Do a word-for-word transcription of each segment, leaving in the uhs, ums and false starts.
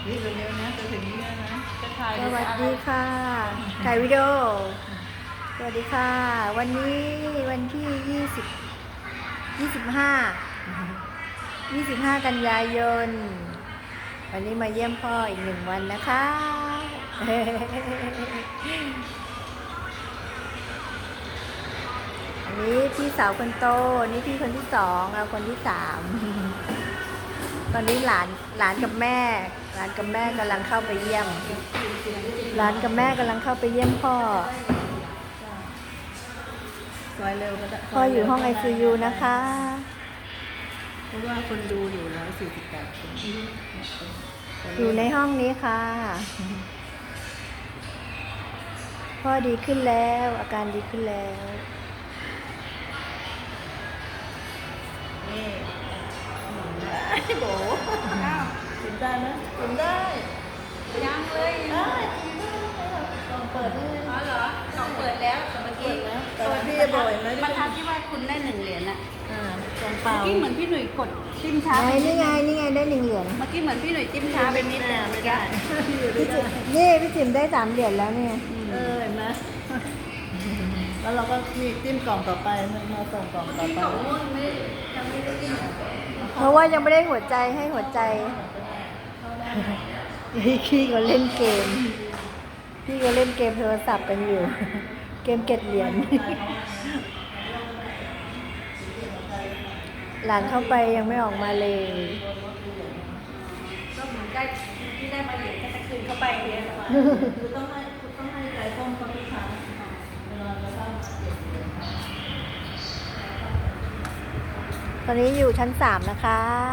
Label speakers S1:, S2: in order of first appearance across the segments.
S1: นี่เร็วๆนะจะถึงนี้แล้วนะจะถ่าย
S2: สวัสดีค่ะถ่ายวิดีโอสวัสดีค่ะ วันนี้วันที่ยี่สิบยี่สิบห้ายี่สิบห้ากันยายนวันนี้มาเยี่ยมพ่ออีกหนึ่งวันนะคะ อันนี้พี่สาวคนโตนี่พี่คนที่สองเราคนที่สามตอนนี้หลานหลานกับแม่หลานกับแม่กำลังเข้าไปเยี่ยมหลานกับแม่กำลังเข้าไปเยี่ยมพ่อ
S1: ซอยเร็วก็ได้
S2: พ่ออยู่ห้อง ไอ ซี ยู นะคะ
S1: เพราะว่าคนดูอยู่ร้อยสี่สิบแปดคน
S2: อยู่ในห้องนี้ค่ะพ่อดีขึ้นแล้วอาการดีขึ้นแล้ว
S1: นี่โบกินได้ไหมกินได้
S3: ยังเลย
S1: ได้ลองเปิดได้
S3: อ๋อเหรอสองเปิดแล้วแต่เมื่อกี้
S1: แต่ว่าพี่จะบ่อยไหม
S3: ประทับที่ว่าคุณได้หนึ่งเหรียญอะ
S1: อ่าลองเปล่า
S3: เมื่อกี้เหมือนพี่หนุ่ยกดจิ้มช้า
S2: ไหน
S3: ไปนิ
S2: นี่
S3: ด
S2: ไงนี่ไงได้หนึ่งเหรียญ
S3: เมื่อกี้เหมือนพี่หนุ่ยจิ้มช้าไปนิดนึง
S1: ไม่ได้พี่อยู่
S2: พี่
S1: ได้
S2: จินี่พี่จิ๋มได้สามเหรียญแล้วเนี่ย
S1: เออเห็นไหมแล้วเราก็มีจิ้มกล่องต่อไปมาส่งกล่องต่อ
S3: ที่
S1: ไป
S3: สองม่วงไม่ได้ยังไม่ได้จิ้ม
S2: เพราะว่ายังไม่ได้หัวใจให้หัวใจพี่ก็เล่นเกมพี่ก็เล่นเกมโทรศัพท์กันอยู่ เกมเก็บเหรียญหลานเข้าไปยังไม่ออกมาเลย
S3: ก็เหมือนได้ที่ได้มาเหรียญก็จะคืนเข้าไปเหรียญ
S1: คือต้องให้คือต้องให้ใจส้มเขาทุกครั้งเวลาเราเข้ามาเก็บเหรียญ
S2: ตอนนี้อยู่ชั้นสามนะคะ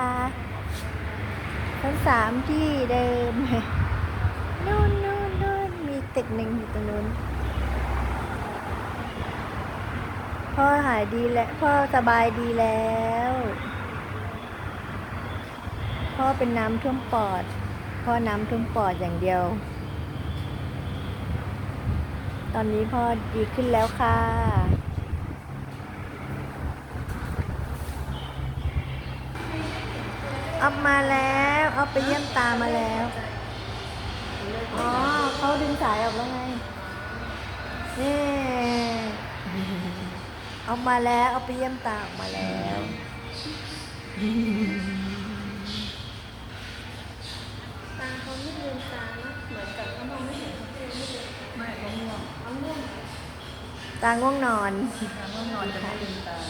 S2: ชั้นสามที่เดิม นู่นนู่นนู่นมีตึกหนึ่งอยู่ตรงนู้นพ่อหายดีแล้วพ่อสบายดีแล้ว พ่อเป็นน้ำท่วมปอด พ่อน้ำท่วมปอดอย่างเดียว ตอนนี้พ่อดีขึ้นแล้วค่ะอัพมาแล้วเอาไปเยี่ยมตามาแล้ว อ๋อเขาดึงสายออกแล้วไงนี่เอามาแล้วเอาไปเยี่ยมตาออกมาแล้วตาเขาไม่ลืมตานะเหมือนกับเขามองไม่เห็นเขาไม่ลืม
S1: ไม่เขาง่วง
S2: ตาง่วงนอน
S1: เขาง่วงนอนจะไม่ลืมตา